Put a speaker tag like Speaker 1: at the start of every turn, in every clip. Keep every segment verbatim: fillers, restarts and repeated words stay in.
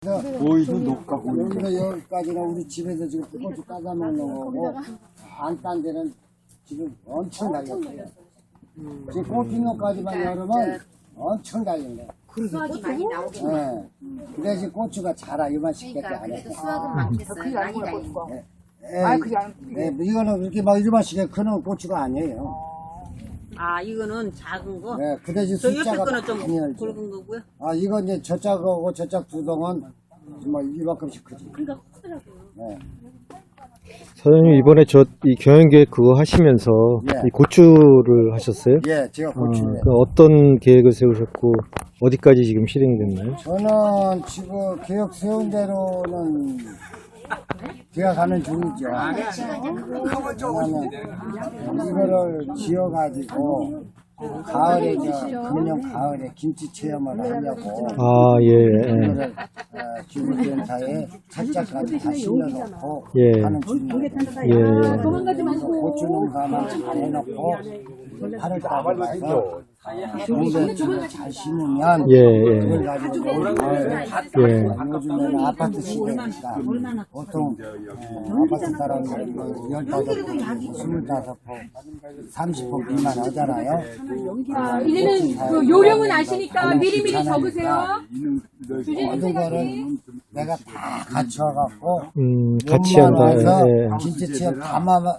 Speaker 1: 오이도 녹가 고이.
Speaker 2: 여기서 여기까지는 우리 집에서 지금 고추 따다 먹는 거고, 안 딴 데는 지금 엄청 달렸어요. 지금 꽃피뇨까지만 열으면 엄청 달린 거야.
Speaker 3: 수확이 많이 나오겠네.
Speaker 2: 네. 근데 지금 고추가 자라, 이만씩밖에
Speaker 3: 그러니까
Speaker 2: 안 해.
Speaker 3: 그래도 수확은 많겠어요. 많이 다니고.
Speaker 2: 아, 그게 아니. 네, 이거는 이렇게 막 이만씩에 크는 고추가 아니에요.
Speaker 4: 아, 이거는 작은 거?
Speaker 2: 네, 그 대신
Speaker 4: 저 옆에
Speaker 2: 숫자가
Speaker 4: 거는 좀
Speaker 2: 많이 열죠.
Speaker 4: 굵은 거고요.
Speaker 2: 아, 이거 이제 저짝하고 저짝 두 동은 정말 이만큼씩 크지.
Speaker 4: 그러니까 크더라고요.
Speaker 2: 네.
Speaker 5: 사장님 이번에 저 이 경영계획 그거 하시면서
Speaker 2: 예.
Speaker 5: 이 고추를 하셨어요?
Speaker 2: 예, 제가
Speaker 5: 어,
Speaker 2: 고추를.
Speaker 5: 그 어떤 계획을 세우셨고 어디까지 지금 실행이 됐나요?
Speaker 2: 저는 지금 계획 세운 대로는 되어가는 중이죠. 왜냐면 이거를 지어가지고 가을에 저 금년 가을에 김치 체험을 하려고
Speaker 5: 아, 예, 예.
Speaker 2: 이거를 어, 기후센터에 살짝까지 다 심어놓고
Speaker 5: 예.
Speaker 2: 하는 중이에요.
Speaker 5: 예, 예.
Speaker 2: 고추 농사만 잘 해놓고 팔월 달에 가서 농대를 잘 심으면
Speaker 5: 예, 예.
Speaker 2: 그걸 가지고 올 가을에
Speaker 5: 예.
Speaker 2: 요즘에는 아파트 시대니까 보통 어, 아파트 사람이 열다섯 포, 스물다섯 포, 삼십 포 미만 하잖아요.
Speaker 6: 아, 이제는 그 요령은 아시니까 미리미리 적으세요.
Speaker 2: 모든 거를 내가 다 갖춰갖고
Speaker 5: 음, 같이 한다.
Speaker 2: 와서
Speaker 5: 예.
Speaker 2: 진짜 지금 담아서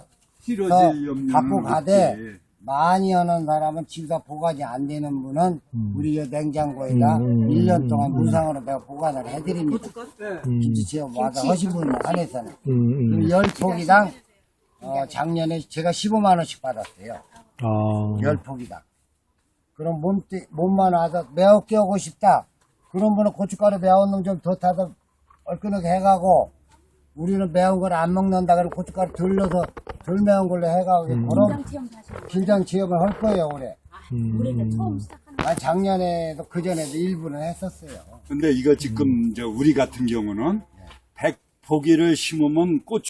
Speaker 2: 갖고 가되 많이 하는 사람은 집에서 보관이 안 되는 분은 우리 이 냉장고에다
Speaker 5: 음,
Speaker 2: 일 년 동안 무상으로 내가 보관을 해드립니다.
Speaker 5: 음,
Speaker 2: 김치체험 와서 하신 분 한해서는
Speaker 5: 음, 음.
Speaker 2: 열 포기당 어, 작년에 제가 십오만 원씩 받았어요.
Speaker 5: 아,
Speaker 2: 열 포기당. 그럼 몸, 몸만 와서 매웠게 하고 싶다. 그런 분은 고춧가루 매운 놈 좀 더 타서 얼큰하게 해가고, 우리는 매운 걸 안 먹는다. 그러면 고춧가루 덜 넣어서 덜 매운 걸로 해가고,
Speaker 5: 음.
Speaker 2: 그럼 김장 체험을 할 거예요, 올해.
Speaker 5: 음,
Speaker 2: 아, 작년에도 그전에도 일부는 했었어요.
Speaker 1: 근데 이거 지금 저 우리 같은 경우는 백 포기를 심으면 꽃